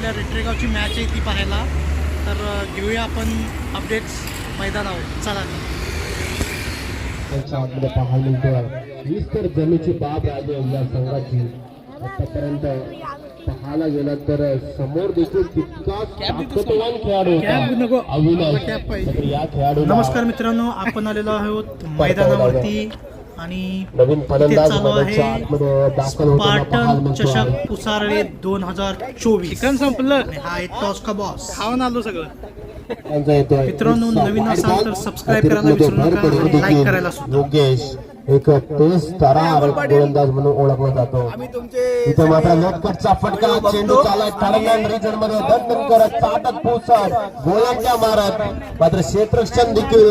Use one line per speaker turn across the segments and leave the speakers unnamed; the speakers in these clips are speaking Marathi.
आपल्या रेट्रेगावची मॅच आहे ती पाहायला. तर घेऊया आपण अपडेट्स मैदानावर. चला
त्यांच्या आतमध्ये पाहायला मिळतोय हीच तर जमीची बाब राहिली या संघाची. आतापर्यंत पाहायला गेला तर समोर देखील तितकाच ताकदवान खेळाडू अविनाश. या खेळाडू
नमस्कार मित्रांनो, आपण आलेलो आहोत मैदानावरती आणि
नवीन
इथे
फलंदाज
चालू आहे
दाखल
स्पार्टन चषक पुसारळे 2024. चिकन संपलं आणि हा आहे टॉस का बॉस. खाऊन आलो सगळं. मित्रांनो, नवीन असाल तर सबस्क्राईब करायला विसरू नका आणि लाईक करायला सुद्धा.
योगेश एक तेज तारा गोलंदाज म्हणून ओळखला जातो. इथे मात्र नेटकटचा फटका, चेंडू चालत ठाण्यान रिजन मध्ये दणदण करत ताटत पोहोचत गोलांच्या मारत मात्र क्षेत्ररक्षण देखील.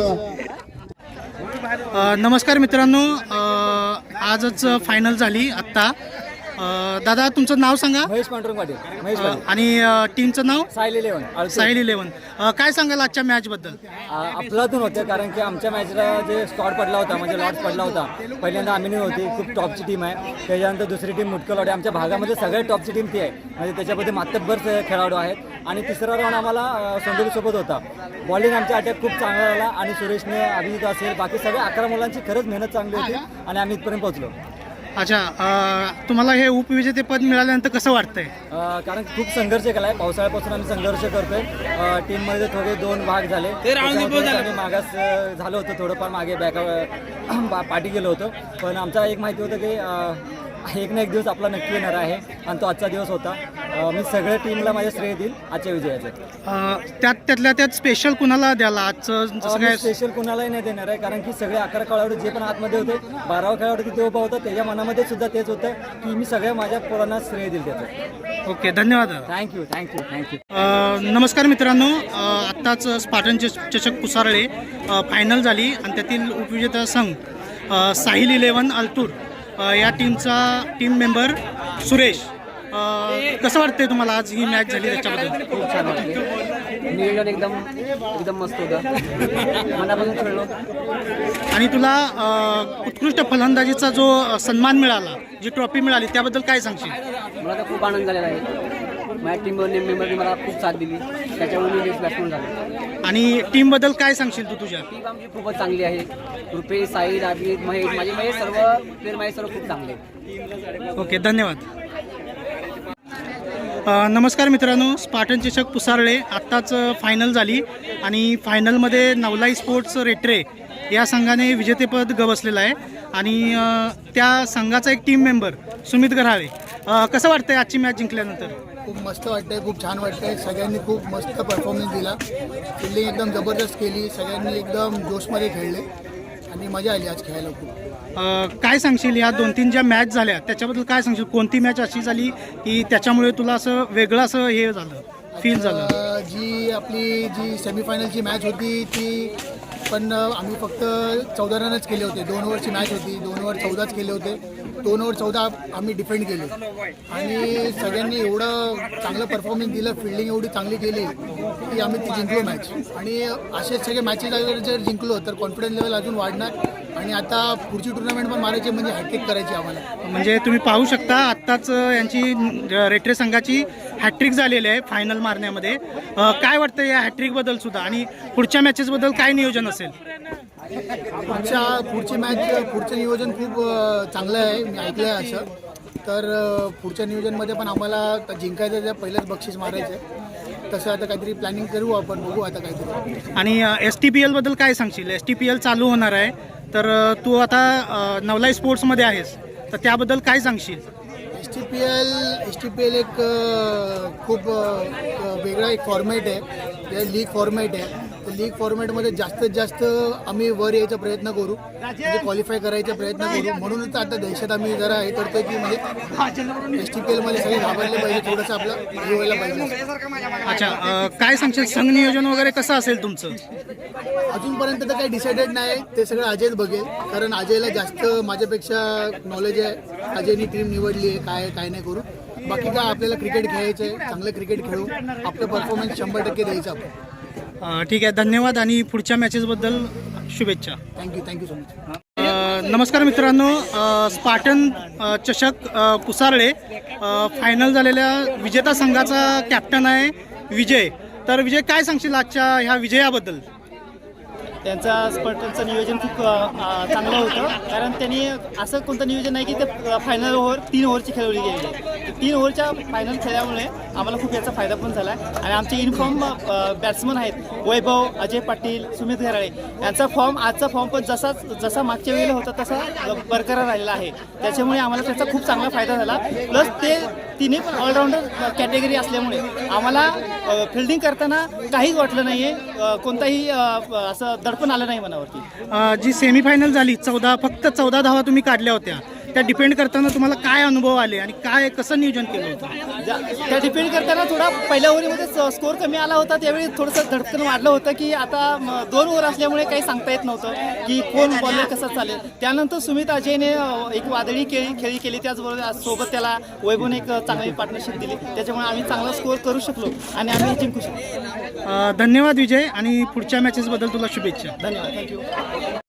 नमस्कार मित्रांनो, आजच फायनल झाली आत्ता. दादा तुमचं नाव सांगा.
महेश पांडुरंग पाटील.
आणि टीमचं नाव
साहिल 11.
साहिल 11. काय सांगाल आजच्या मॅच बद्दल?
अफलातून होतं, कारण की आमच्या मॅचला जे स्कॉट पडला होता म्हणजे लॉट पडला होता. पहिल्यांदा आम्ही होती, खूप टॉपची टीम आहे. त्याच्यानंतर दुसरी टीम मुटकल लॉट. आमच्या भागामध्ये सगळ्यात टॉपची टीम ती आहे, म्हणजे त्याच्यामध्ये मातब्बर खेळाडू आहेत. आणि तिसरा राऊंड आम्हाला सोंडोलीसोबत होता. बॉलिंग आमच्या अटॅक खूप चांगला झाला आणि सुरेशने अभिजित असेल बाकी सगळ्या 11 मुलांची खरंच मेहनत चांगली होती आणि आम्ही इथपर्यंत पोहोचलो.
अच्छा, तुम्हाला हे उपविजेतेपद मिळाल्यानंतर कसं वाटतंय?
कारण खूप संघर्ष केला आहे. पावसाळ्यापासून आम्ही संघर्ष करतोय. टीममध्ये थोडे 2 भाग झाले. आम्ही मागास झालं होतं, थोडंफार मागे पाठी गेलो होतो. पण आमचा एक माहिती होतं की एक ना एक दिवस आपला नक्की येणार आहे आणि तो आजचा दिवस होता. मी सगळ्या टीमला माझे श्रेय देईल आजच्या विजयाचं.
त्यातल्या त्यात स्पेशल कुणाला द्याला आजचं? जसं काय
स्पेशल कुणालाही नाही देणार आहे, कारण की सगळे 11 खेळाडू जे पण आतमध्ये होते, 12वा खेळाडू तिथे उभा होता, त्याच्या मनामध्ये सुद्धा तेच होतं की मी सगळ्या माझ्या पोरांना श्रेय देईल त्याचं.
ओके, धन्यवाद.
थँक्यू.
नमस्कार मित्रांनो, आत्ताच स्पार्टन चषक पुसारळे फायनल झाली आणि त्यातील उपविजेता संघ साहिल 11 अल्तूर या टीम मेंबर सुरेश. कसं वाटतंय तुम्हाला आज ही मॅच झाली त्याच्याबद्दल?
खूप छान वाटलं. नियोजन एकदम मस्त होतं, मनापासून खेळलो.
आणि तुला उत्कृष्ट फलंदाजीचा जो सन्मान मिळाला, जी ट्रॉफी मिळाली, त्याबद्दल काय सांगशील?
मला तर खूप आनंद झालेला आहे. माझ्या टीम मेंबरने मला खूप साथ दिली, त्याच्यामुळे मी बेस्ट बॅट्समन झालो.
आणि टीमबद्दल काय सांगशील तू तुझ्या?
टीम आमची खूपच चांगली आहे. रुपेश, साईद, अभिजित, महेश, माझे सर्व प्लेयर माझे सर्व खूप चांगले आहेत.
ओके, धन्यवाद. नमस्कार मित्रांनो, स्पार्टन चषक पुसारळे आत्ताच फायनल झाली आणि फायनलमध्ये नवलाई स्पोर्ट्स रेट्रे या संघाने विजेतेपद गवसलेलं आहे. आणि त्या संघाचा एक टीम मेंबर सुमित गऱ्हाळे. कसं वाटतंय आजची मॅच जिंकल्यानंतर?
खूप मस्त वाटतंय, खूप छान वाटतंय. सगळ्यांनी खूप मस्त परफॉर्मन्स दिला. फिल्डिंग एकदम जबरदस्त केली. सगळ्यांनी एकदम जोशमध्ये खेळले आणि मजा आली आज खेळायला खूप.
काय सांगशील या 2-3 ज्या मॅच झाल्या त्याच्याबद्दल काय सांगशील? कोणती मॅच अशी झाली की त्याच्यामुळे तुला असं वेगळं असं हे झालं, फील झालं?
जी सेमीफायनलची मॅच होती ती पण आम्ही फक्त 14 रनच केले होते. 2 ओव्हरची मॅच होती, 2 ओव्हर 14च केले होते. 2 ओव्हर 14 आम्ही डिफेंड केले आणि सगळ्यांनी एवढं चांगलं परफॉर्मन्स दिलं, फिल्डिंग एवढी चांगली केली की आम्ही ती जिंकलो मॅच. आणि असेच सगळे मॅचेस जर जिंकलो तर कॉन्फिडन्स लेवल अजून वाढणार आणि आता पुढची टुर्नामेंट पण मारायची, म्हणजे हॅट्रिक करायची आम्हाला.
म्हणजे तुम्ही पाहू शकता आत्ताच यांची रेट्रे संघाची हॅट्रिक झालेली आहे फायनल मारण्यामध्ये. काय वाटतं या हॅट्रिकबद्दल सुद्धा आणि पुढच्या मॅचेसबद्दल काय नियोजन असेल?
पुढचं नियोजन खूप चांगलं आहे, मी ऐकलं आहे असं. तर पुढच्या नियोजनमध्ये पण आम्हाला जिंकायचं आहे, पहिलंच बक्षीस मारायचं आहे. तसं आता काहीतरी प्लॅनिंग करू आपण, बघू आता काहीतरी.
आणि STPL बद्दल काय सांगशील? STPL चालू होणार आहे, तर तू आता नवलाई स्पोर्ट्समध्ये आहेस, तर त्याबद्दल काय सांगशील?
STPL एक खूप वेगळा एक फॉर्मॅट आहे, लीग फॉर्मॅट आहे. तर लीग फॉर्मॅटमध्ये जास्तीत जास्त आम्ही वर यायचा प्रयत्न करू, म्हणजे क्वालिफाय करायचा प्रयत्न करू. म्हणूनच आता देशात आम्ही जरा हे करतोय की म्हणजे STPLमध्ये सगळे घाबरले पाहिजे, थोडंसं आपलं हे व्हायला पाहिजे.
अच्छा, काय सांगशील? संघ नियोजन वगैरे कसं असेल तुमचं?
अजूनपर्यंत तर काही डिसाइडेड नाही, ते सगळं अजयच बघेल, कारण अजयला जास्त माझ्यापेक्षा नॉलेज आहे. अजयनी टीम निवडली आहे, काय नाही करू. बाकी काय आपल्याला क्रिकेट खेळायचं आहे, चांगलं क्रिकेट खेळू, आपलं परफॉर्मन्स 100% द्यायचं आपण.
ठीक आहे, धन्यवाद आणि पुढच्या मॅचेसबद्दल शुभेच्छा.
Thank you so much.
नमस्कार मित्रांनो, स्पार्टन चषक पुसारळे फायनल झालेल्या विजेता संघाचा कॅप्टन आहे विजय. तर विजय, काय सांगशील आजच्या ह्या विजयाबद्दल?
त्यांचा स्पर्धेचं नियोजन खूप चांगलं होतं, कारण त्यांनी असं कोणतं नियोजन नाही की ते फायनल ओव्हर 3 ओव्हरची खेळवली गेली आहे. 3 ओव्हरच्या फायनल खेळल्यामुळे आम्हाला खूप याचा फायदा पण झाला आहे. आणि आमचे इनफॉर्म बॅट्समन आहेत वैभव, अजय पाटील, सुमित घराळे, यांचा फॉर्म आजचा फॉर्म पण जसा मागच्या वेळेला होता तसा बरकरार राहिलेला आहे. त्याच्यामुळे आम्हाला त्याचा खूप चांगला फायदा झाला. प्लस ते तिन्ही पण ऑलराऊंडर कॅटेगरी असल्यामुळे आम्हाला फिल्डिंग करताना काहीच वाटलं नाही आहे, कोणताही असं दडपण आलं नाही मनावरती.
जी सेमीफायनल झाली, फक्त 14 धावा तुम्ही काढल्या होत्या, त्या डिपेंड करताना तुम्हाला काय अनुभव आले आणि कसं नियोजन केलं होतं?
त्या डिपेंड करताना थोडा पहिल्या ओव्हरमध्ये स्कोअर कमी आला होता, त्यावेळी थोडंसं धडकन वाढलं होतं की आता 2 ओव्हर असल्यामुळे काही सांगता येत नव्हतं की कोण बॉलर कसं चालेल. त्यानंतर सुमित अजयने एक वादळी खेळी केली, त्याचबरोबर सोबत त्याला वैभवने एक चांगली पार्टनरशिप दिली, त्याच्यामुळे आम्ही चांगला स्कोअर करू शकलो आणि आम्ही जिंकू शकलो.
धन्यवाद विजय, आणि पुढच्या मॅचेसबद्दल तुला शुभेच्छा.
धन्यवाद, थँक्यू.